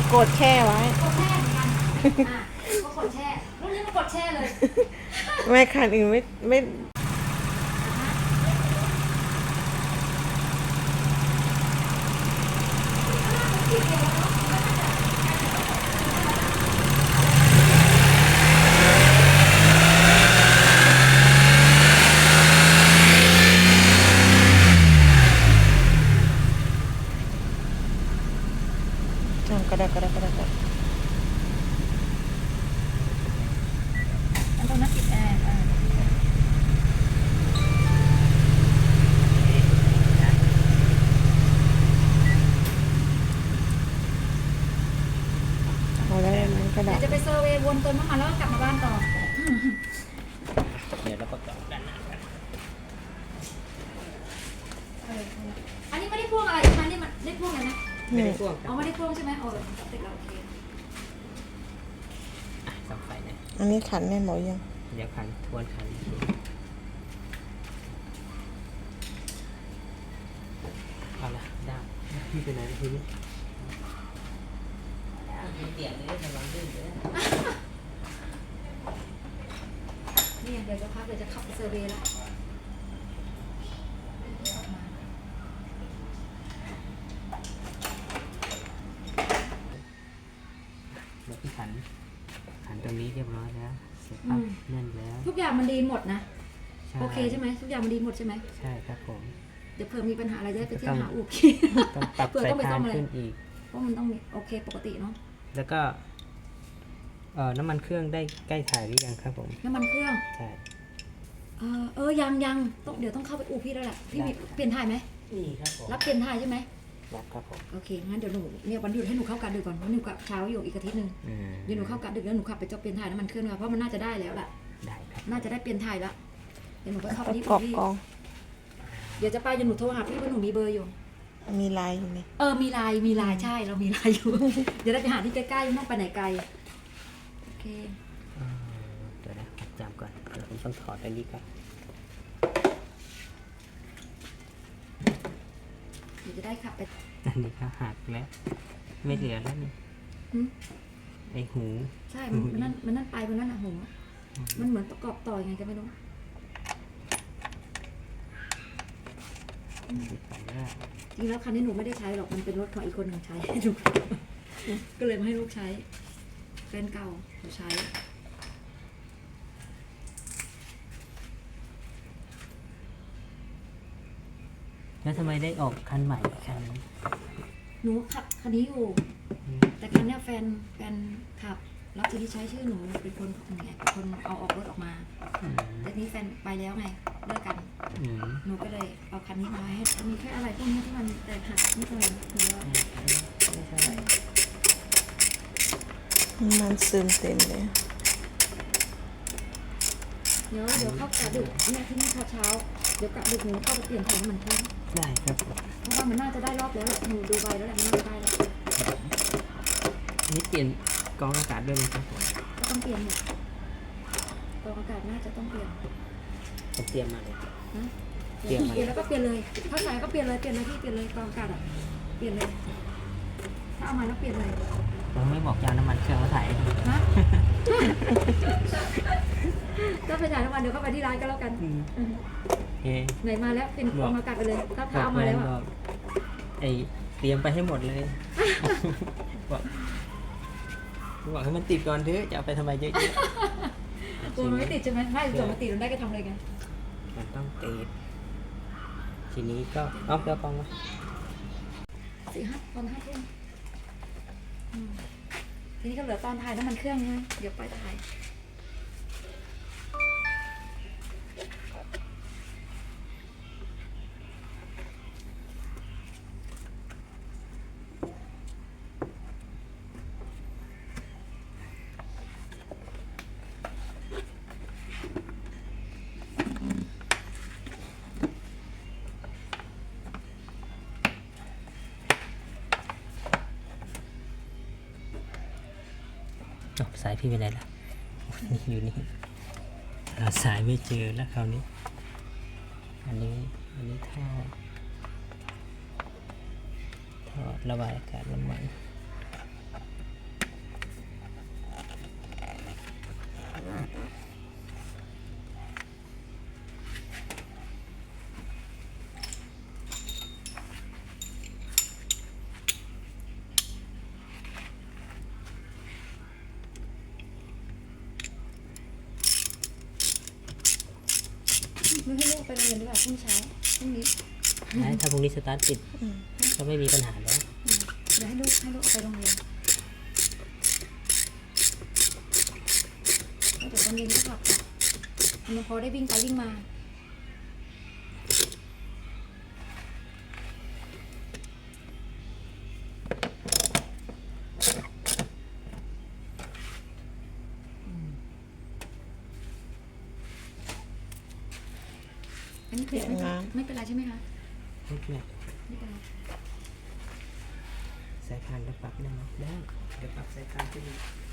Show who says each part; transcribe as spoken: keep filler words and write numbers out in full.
Speaker 1: กดแช่ไว้
Speaker 2: กดแช่เหมือนกันอ่ะก็กดแช่รุ่นนี้มันกดแช่เลย
Speaker 1: ไม่คันอื่นไม่ไม่ทำกระดากระดากระดากระ
Speaker 2: อันตรงนั้นปิดแอร์อ่า
Speaker 1: เอาได้ไหมกระดา
Speaker 2: เดี๋ย
Speaker 1: ษ
Speaker 2: วจะไปเซอร์เวย์วนเติมน้ำมันแล้วก็กลับมาบ้านต่อ
Speaker 3: เดี๋ยวเราประกอบด้านหน้ากัน
Speaker 2: เอออันนี้ไม่ได้พ่วงอะไรใช่ไหมนี่มันได้พ่วงอะไรไหม
Speaker 3: ไม่ได้พ่วงค
Speaker 2: อ๋
Speaker 3: รั
Speaker 2: อบ ไม่ได้พ่วงใช่ไหมโอ้ติดแล้วโอเค
Speaker 3: อ่ะสองไฟนะ
Speaker 1: อันนี้ขันแน่นหมดยัง
Speaker 3: เดี๋ยวขันทวนขันอีกทีเอาละได้พี่ไปไหนทีนี้เตียงเลยระวังลื่นเลย
Speaker 2: นี่เดี๋ยวจะพักเดี๋ยวจะขับไปเซอร์เวย์แล้ว
Speaker 3: แล้วพี่ขันขันตรงนี้เรียบร้อยแล้วเสร็จปั๊บแน่นแล้ว
Speaker 2: ทุกอย่างมันดีหมดนะโอเคใช่ไหมทุกอย่างมันดีหมดใช่ไหม
Speaker 3: ใช่ครับผม
Speaker 2: เดี๋ยวเผื่อมีปัญหาอะไรจะได้ไปเที่ยวหาอู่
Speaker 3: ต้องปรับ
Speaker 2: เผื่อ
Speaker 3: สาย
Speaker 2: ต้องไป
Speaker 3: พา
Speaker 2: ซ่อน มอะไร
Speaker 3: ขึ้นอีก
Speaker 2: เพราะมันต้องมีโอเคปกติเนาะ
Speaker 3: แล้วก็เอ่อน้ำมันเครื่องได้ใกล้ถ่ายหรือยังครับผม
Speaker 2: น้ำมันเครื่อง
Speaker 3: ใช่
Speaker 2: เออเออยังยังต้องเดี๋ยวต้องเข้าไปอู่พี่แล้วแหละพี่มีเปลี่ยนถ่ายไหม
Speaker 3: นี่ครับผม
Speaker 2: รับเปลี่ยนถ่ายใช่ไหม
Speaker 3: รับครับผม
Speaker 2: โอเคงั้นเดี๋ยวหนูเนี่ยวันหยุดให้หนูเข้ากะดึกก่อนเพราะหนูกะเช้าอยู่อีกอาทิตย์หนึง
Speaker 3: อืม
Speaker 2: เดี๋ยวหนูเข้ากะดึกแล้วหนูขับไปเจาะเปลี่ยนถ่ายน้ำมันเครื่องมาเพราะมันน่าจะได้แล้วแหละ
Speaker 3: ได้ครับ
Speaker 2: น่าจะได้เปลี่ยนถ่ายแล้วเดี๋ยวหนูก็เข้าไป
Speaker 1: ประ
Speaker 2: ที่
Speaker 1: ก
Speaker 2: อู่
Speaker 1: อบ
Speaker 2: พี่
Speaker 1: กอง
Speaker 2: เดี๋ยวจะไปเดี๋ยวหนูโทรหาพี่ว่าหนูมีเบอร์อยู่
Speaker 1: มีลายอยู่ไหม
Speaker 2: เออมีไลน์มีไลน์ใช่เรามีไลน์อยู่ เดี๋ยวเราไปหาที่ใกล้ๆไม่ต้องไปไหนไกลโอเค
Speaker 3: เอ่อเดี๋ยวนะจำก่อนเดี๋ยวผมต้องถอดอันนี้ก่อน
Speaker 2: เดี๋ยวจะได้ขับไป
Speaker 3: อันนี้ก็หักแล้ว ไม่เหลือแล้วนี่
Speaker 2: หืม
Speaker 3: ไอหู
Speaker 2: ใช่มันมันนั่นมันนั่นไปมันนั่นอะโหมันเหมือนประกอบต่อยังไงก็ไม่รู้
Speaker 3: ไปแล้ว
Speaker 2: จริงแล้วคันนี้หนูไม่ได้ใช้หรอกมันเป็นรถของอีกคนหนึ่งใช้ หนูก็เลยมาให้ลูกใช้แฟนเก่าหนูใช้
Speaker 3: แล้วทำไมได้ออกคันใหม่อีกคันนึง
Speaker 2: หนูขับคันนี้อยู่
Speaker 3: อืม
Speaker 2: แต่คันเนี้ยแฟนแฟนขับแล้วทีนี้ใช้ชื่อหนูเป็นคนไงเป็นคนเอาออกรถออกมา
Speaker 3: อืม
Speaker 2: แต่นี้แฟนไปแล้วไงเลิกกัน
Speaker 3: อืม
Speaker 2: หนูก็เลยเอาคันนี้มาให้มีแค่อะไรพวกนี้ที่มันแตกหักนิดหน่อยหรือว่า
Speaker 3: ไม่ใช่อะไร
Speaker 1: มันซึมเต็มเลย
Speaker 2: เดี๋ยวเดี๋ยวเข้ากะดึกเนี่ยที่นี่เช้าเดี๋ยวกะดึกหนูเข้าไปเปลี่ยนถ่ายน้ำมันเครื่อง
Speaker 3: ได้ครับผม
Speaker 2: เพราะว่ามันน่าจะได้รอบแล้วแหละหนูดูใบแล้วแหละมันน่าจะได้แล้ว
Speaker 3: อันนี้เปลี่ยนกรองอากาศด้วยไหมครับผม
Speaker 2: ก็ต้องเปลี่ยนหมดกรองอากาศน่าจะต้องเปลี่ยน
Speaker 3: ผมเตรียมมาเลย
Speaker 2: นะ
Speaker 3: เปลี่ยนมา
Speaker 2: เปลี่ยนแล้วก็เปลี่ยนเลยถ้าใส่ก็เปลี่ยนเลยเปลี่ยนเลยพี่เปลี่ยนเลยกรองอากาศอ่ะเปลี่ยนเลยถ้าเอามาแล้วเปลี่ยนเลย
Speaker 3: ผมไม่บอกจะเอาน้ำมันเครื่องมาถ่ายให้ดู
Speaker 2: ฮะ ก็ไปถ่ายน้ำมันเดี๋ยวก็ไปที่ร้านก็แล้วกัน
Speaker 3: อืม
Speaker 2: อืม
Speaker 3: โอเค
Speaker 2: ไหนมาแล้วเป็นกรองอากาศไปเลยถ้าถ้าเอามาแล้ว
Speaker 3: บ
Speaker 2: อ่ะ
Speaker 3: อกไอเตรียมไปให้หมดเลย บอกบอกให้มันติดก่อนเถอะจะเอาไปทำไมเยอะ
Speaker 2: กลัวมันไม่ติดใช่ไหมไม่ส่วนมันติดมันได้ก็ทำเลยไง
Speaker 3: ๆมันต้องติดทีนี้ก็เอาเกลือกองมา
Speaker 2: สี่ห้าตอนห้าทุ่มอืมทีนี้ก็เหลือตอนถ่ายน้ำมันเครื่องไงเดี๋ยวไปถ่าย
Speaker 3: อ๋อสายพี่ไปไหนล่ะนี่อยู่นี่หาสายไม่เจอแล้วคราวนี้ อันนี้อันนี้ท่อท่อระบายอากาศน้ำมัน
Speaker 2: ไม่ให้ลูกไปโรงเรียนด้วยพรุ่งเช้าพรุ่งนี้
Speaker 3: นะถ้าพรุ่งนี้สตาร์ทติด
Speaker 1: อืม
Speaker 3: ก็ไม่มีปัญหาแล้ว
Speaker 2: อืมเดี๋ยวให้ลูกให้ลูกเอาไปโรงเรียนแล้วเดี๋ยวตอนเย็นก็กลับค่ะมันพอได้วิ่งไปวิ่งมาอันนี้เกลียดไม่เป็นไม่เป็นไรใช่ไหมคะ
Speaker 3: ไม่เป็นไร
Speaker 2: ไม่เป็นไร
Speaker 3: สายพานก็ปรับได้ไหมได้เดี๋ยวปรับสายพานขึ้นอีก